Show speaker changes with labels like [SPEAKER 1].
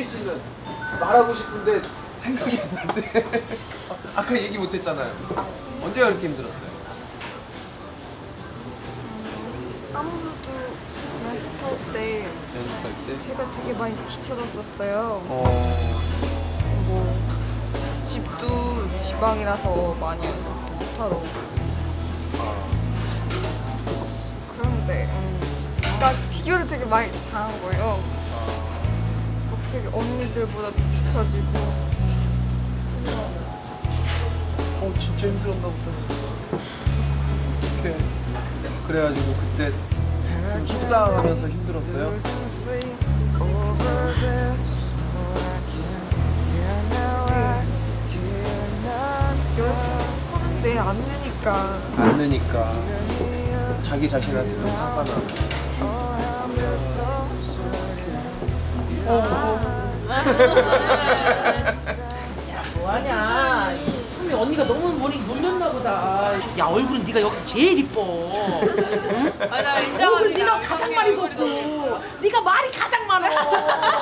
[SPEAKER 1] 씨는 말하고 싶은데 생각이 안 나는데 아까 얘기 못했잖아요. 언제가 그렇게 힘들었어요?
[SPEAKER 2] 아무래도 연습할 때 제가 되게 많이 뒤쳐졌었어요. 뭐 집도 지방이라서 많이 연습 못하러. 그런데 그러니까 비교를 되게 많이 당한 거예요. 막 되게 언니들보다 뒤처지고.
[SPEAKER 1] 진짜 힘들었나 보다. 어떡해. 그래가지고 그때 좀 속상하면서 힘들었어요?
[SPEAKER 2] 연습하는데 안 되니까.
[SPEAKER 1] 안 느니까 자기 자신한테 너무 화가 나.
[SPEAKER 3] 야, 뭐하냐? 소미 언니가 너무 머리 놀렸나 보다. 야, 얼굴은 네가 여기서 제일 이뻐. 응?
[SPEAKER 4] 맞아,
[SPEAKER 3] 얼굴은 네가 가장 많이 걷고 네가 말이 가장 많아.